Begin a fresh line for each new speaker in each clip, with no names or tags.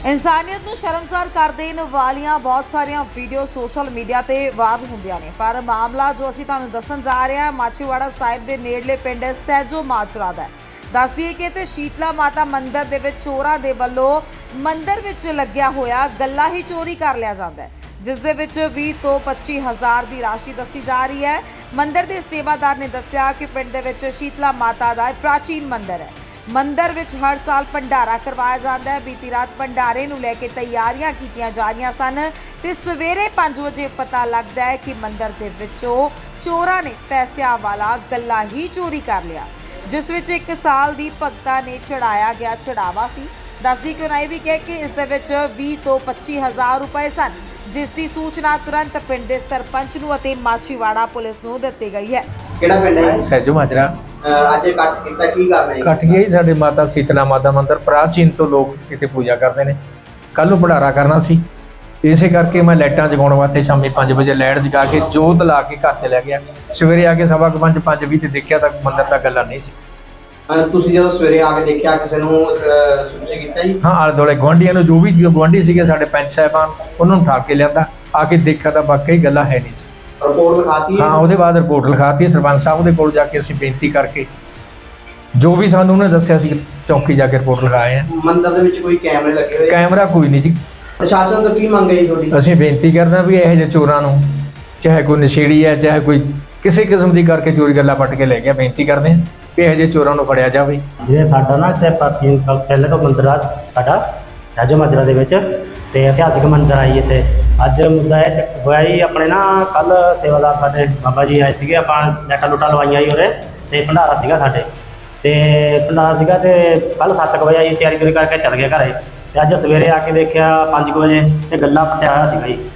ਇਨਸਾਨੀਅਤ ਨੂੰ ਸ਼ਰਮਸਾਰ ਕਰ ਦੇਣ ਵਾਲੀਆਂ ਬਹੁਤ ਸਾਰੀਆਂ ਵੀਡੀਓ ਸੋਸ਼ਲ ਮੀਡੀਆ ਤੇ ਵਾਇਰਲ ਹੁੰਦੀਆਂ ਨੇ, ਪਰ ਮਾਮਲਾ ਜੋ ਅਸੀਂ ਤੁਹਾਨੂੰ ਦੱਸਣ ਜਾ ਰਹੇ ਹਾਂ ਮਾਛੀਵਾੜਾ ਸਾਹਿਬ ਦੇ ਨੇੜਲੇ ਪਿੰਡ ਸਹਿਜੋ ਮਾਚਰਾ ਦਾ ਹੈ। ਦੱਸ ਦਈਏ ਕਿ ਤੇ ਸ਼ੀਤਲਾ ਮਾਤਾ ਮੰਦਿਰ ਦੇ ਵਿੱਚ ਚੋਰਾਂ ਦੇ ਵੱਲੋਂ ਮੰਦਿਰ ਵਿੱਚ ਲੱਗਿਆ ਹੋਇਆ ਗੱਲਾ ਹੀ ਚੋਰੀ ਕਰ ਲਿਆ ਜਾਂਦਾ ਹੈ, ਜਿਸ ਦੇ ਵਿੱਚ 20 ਤੋਂ 25 ਹਜ਼ਾਰ ਦੀ ਰਾਸ਼ੀ ਦੱਸੀ ਜਾ ਰਹੀ ਹੈ। ਮੰਦਿਰ ਦੇ ਸੇਵਾਦਾਰ ਨੇ ਦੱਸਿਆ ਕਿ ਪਿੰਡ ਦੇ ਵਿੱਚ ਸ਼ੀਤਲਾ ਮਾਤਾ ਦਾ ਪ੍ਰਾਚੀਨ ਮੰਦਿਰ ਹੈ। ਮੰਦਿਰ ਵਿੱਚ ਹਰ ਸਾਲ ਭੰਡਾਰਾ ਕਰਵਾਇਆ ਜਾਂਦਾ ਹੈ। ਬੀਤੀ ਰਾਤ ਭੰਡਾਰੇ ਨੂੰ ਲੈ ਕੇ ਤਿਆਰੀਆਂ ਕੀਤੀਆਂ ਜਾ ਰਹੀਆਂ ਸਨ ਤੇ ਸਵੇਰੇ 5 ਵਜੇ ਪਤਾ ਲੱਗਦਾ ਹੈ ਕਿ ਮੰਦਿਰ ਦੇ ਵਿੱਚੋਂ ਚੋਰਾਂ ਨੇ ਪੈਸਿਆਂ ਵਾਲਾ ਗੱਲਾ ਹੀ ਚੋਰੀ ਕਰ ਲਿਆ, ਜਿਸ ਵਿੱਚ 1 ਸਾਲ ਦੀ ਭਗਤਾ ਨੇ ਚੜਾਇਆ ਗਿਆ ਚੜਾਵਾ ਸੀ। ਦੱਸਦੀ ਕਿ ਉਹਨਾਂ ਇਹ ਵੀ ਕਿਹਾ ਕਿ ਇਸ ਦੇ ਵਿੱਚ 20 ਤੋਂ 25 ਹਜ਼ਾਰ ਰੁਪਏ ਸਨ, ਜਿਸ ਦੀ ਸੂਚਨਾ ਤੁਰੰਤ ਪਿੰਡ ਦੇ ਸਰਪੰਚ ਨੂੰ ਅਤੇ ਮਾਛੀਵਾੜਾ ਪੁਲਿਸ ਨੂੰ ਦਿੱਤੀ ਗਈ ਹੈ।
ਕਿਹੜਾ ਪਿੰਡ ਹੈ?
ਸਹਿਜੋ ਮਾਜਰਾ।
ਅੱਜ ਇਕੱਠ ਕੀਤਾ ਕੀ ਕਰ ਰਹੇ?
ਇਕੱਠ ਗਿਆ ਜੀ ਸਾਡੇ ਮਾਤਾ ਸੀਤਲਾ ਮਾਤਾ ਮੰਦਿਰ ਪ੍ਰਾਚੀਨ ਤੋਂ ਲੋਕ ਇੱਥੇ ਪੂਜਾ ਕਰਦੇ ਨੇ। ਕੱਲ ਨੂੰ ਭੰਡਾਰਾ ਕਰਨਾ ਸੀ, ਇਸੇ ਕਰਕੇ ਮੈਂ ਲਾਈਟਾਂ ਜਗਾਉਣ ਵਾਸਤੇ ਸ਼ਾਮੀ 5 ਵਜੇ ਲਾਈਟ ਜਗਾ ਕੇ ਜੋਤ ਲਾ ਕੇ ਘਰ ਚਲਿਆ ਗਿਆ। ਸਵੇਰੇ ਆ ਕੇ 5:15 ਤੇ ਦੇਖਿਆ ਤਾਂ ਮੰਦਿਰ ਦਾ ਗੱਲਾ ਨਹੀਂ ਸੀ।
ਤੁਸੀਂ ਜਦੋਂ ਸਵੇਰੇ ਆ ਕੇ ਦੇਖਿਆ ਕਿਸੇ ਨੂੰ ਸੂਚਿਤ ਕੀਤਾ ਜੀ?
ਹਾਂ, ਆਲੇ ਦੁਆਲੇ ਗੁਆਂਢੀਆਂ ਨੂੰ, ਜੋ ਵੀ ਗੁਆਂਢੀ ਸੀਗੇ ਸਾਡੇ ਪੰਚ ਸਾਹਿਬਾਨ, ਉਹਨਾਂ ਨੂੰ ਠਾ ਕੇ ਲਿਆਂਦਾ। ਆ ਕੇ ਦੇਖਿਆ ਤਾਂ ਵਾਕਈ ਗੱਲਾ ਹੈ ਨਹੀਂ ਸੀ।
ਰਿਪੋਰਟ ਲਿਖਾਤੀ?
ਹਾਂ, ਉਹਦੇ ਬਾਅਦ ਰਿਪੋਰਟ ਲਿਖਾਤੀ। ਸਰਪੰਚ ਸਾਹਿਬ ਦੇ ਕੋਲ ਜਾ ਕੇ ਅਸੀਂ ਬੇਨਤੀ ਕਰਕੇ ਜੋ ਵੀ ਸਾਨੂੰ ਉਹਨੇ ਦੱਸਿਆ ਸੀ ਚੌਕੀ ਜਾ ਕੇ ਰਿਪੋਰਟ ਲਿਖਾਏ ਆ।
ਮੰਦਿਰ ਦੇ ਵਿੱਚ ਕੋਈ ਕੈਮਰੇ ਲੱਗੇ ਹੋਏ?
ਕੈਮਰਾ ਕੋਈ ਨਹੀਂ ਜੀ।
ਪ੍ਰਸ਼ਾਸਨ ਤੋਂ ਕੀ ਮੰਗ ਹੈ ਜੀ ਤੁਹਾਡੀ?
ਅਸੀਂ ਬੇਨਤੀ ਕਰਦੇ ਹਾਂ ਵੀ ਇਹੋ ਜਿਹੇ ਚੋਰਾਂ ਨੂੰ, ਚਾਹੇ ਕੋਈ ਨਸ਼ੇੜੀ ਹੈ, ਚਾਹੇ ਕੋਈ ਕਿਸੇ ਕਿਸਮ ਦੀ ਕਰਕੇ ਚੋਰੀ ਗੱਲਾਂ ਪੱਟ ਕੇ ਲੈ ਗਿਆ, ਬੇਨਤੀ ਕਰਦੇ ਹਾਂ ਵੀ ਇਹੋ ਜਿਹੇ ਚੋਰਾਂ ਨੂੰ ਫੜਿਆ ਜਾਵੇ।
ਇਹ ਸਾਡਾ ਨਾ ਇੱਥੇ ਪ੍ਰਾਚੀਨ ਪਹਿਲੇ ਤੋਂ ਮੰਦਿਰ ਆ ਸਾਡਾ ਸਹਿਜੋ ਮਾਜਰਾ ਦੇ ਵਿੱਚ, ਤੇ ਇਤਿਹਾਸਿਕ ਮੰਦਿਰ ਆਈ ਇੱਥੇ। ਅੱਜ ਮੁੱਦਾ ਇਹ ਹੋਇਆ ਜੀ, ਆਪਣੇ ਨਾ ਕੱਲ ਸੇਵਾਦਾਰ ਸਾਡੇ ਬਾਬਾ ਜੀ ਆਏ ਸੀਗੇ, ਆਪਾਂ ਲੈਟਾਂ ਲੁੱਟਾਂ ਲਵਾਈਆਂ ਜੀ ਉਰੇ, ਤੇ ਭੰਡਾਰਾ ਸੀਗਾ ਸਾਡੇ, ਤੇ ਭੰਡਾਰਾ ਸੀਗਾ ਤੇ ਕੱਲ 7 ਵਜੇ ਆਈ ਤਿਆਰੀ ਤੁਰੀ ਕਰਕੇ ਚੱਲ ਗਏ ਘਰੇ, ਤੇ ਅੱਜ ਸਵੇਰੇ ਆ ਕੇ ਦੇਖਿਆ 5 ਵਜੇ ਤੇ ਗੱਲਾ ਪੱਟਿਆ ਹੋਇਆ ਸੀਗਾ ਜੀ।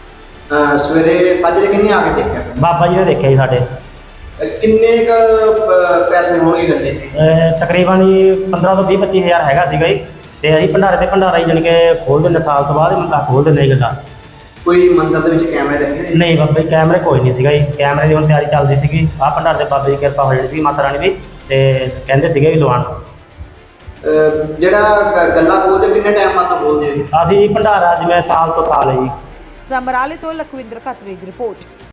ਸਵੇਰੇ ਸਾਜਰੇ ਕਿੰਨੇ ਆ ਕੇ ਦੇਖਿਆ?
ਬਾਬਾ ਜੀ ਨੇ ਦੇਖਿਆ ਜੀ ਸਾਡੇ।
ਕਿੰਨੇ ਪੈਸੇ ਹੋਣਗੇ ਗੱਲੇ?
ਤਕਰੀਬਨ ਜੀ 15 ਤੋਂ 20-25 ਹਜ਼ਾਰ ਹੈਗਾ ਸੀਗਾ ਜੀ, ਤੇ ਅਸੀਂ ਭੰਡਾਰੇ ਤੇ ਭੰਡਾਰਾ ਹੀ ਜਾਣੀ ਕਿ ਖੋਲ ਦਿੰਦੇ, ਸਾਲ ਤੋਂ ਬਾਅਦ ਮੰਦਾ ਖੋਲ ਦਿੰਦੇ ਜੀ ਗੱਲਾਂ।
ਕੋਈ ਮੰਦਿਰ ਦੇ ਵਿੱਚ ਕੈਮਰੇ ਲੱਗੇ?
ਨਹੀਂ ਬਾਬਾ ਜੀ, ਕੈਮਰੇ ਕੋਈ ਨਹੀਂ ਸੀਗਾ ਜੀ। ਕੈਮਰੇ ਦੀ ਹੁਣ ਤਿਆਰੀ ਚੱਲਦੀ ਸੀਗੀ। ਆਹ ਭੰਡਾਰੇ ਦੇ ਬਾਬੇ ਦੀ ਕਿਰਪਾ ਹੋ ਜਾਣੀ ਸੀ ਮਾਤਾ ਰਾਣੀ ਦੀ, ਤੇ ਕਹਿੰਦੇ ਸੀਗੇ ਵੀ ਲਵਾਉਣ।
ਜਿਹੜਾ ਗੱਲਾ ਖੋਲਦੇ ਕਿੰਨੇ ਟਾਈਮ ਬਾਅਦ ਖੋਲਦੇ?
ਅਸੀਂ ਭੰਡਾਰਾ ਜਿਵੇਂ ਸਾਲ ਤੋਂ ਸਾਲ ਹੈ ਜੀ।
ਸਮਰਾਲੇ ਤੋਂ ਲਖਵਿੰਦਰ ਖੱਤਰੀ ਦੀ ਰਿਪੋਰਟ।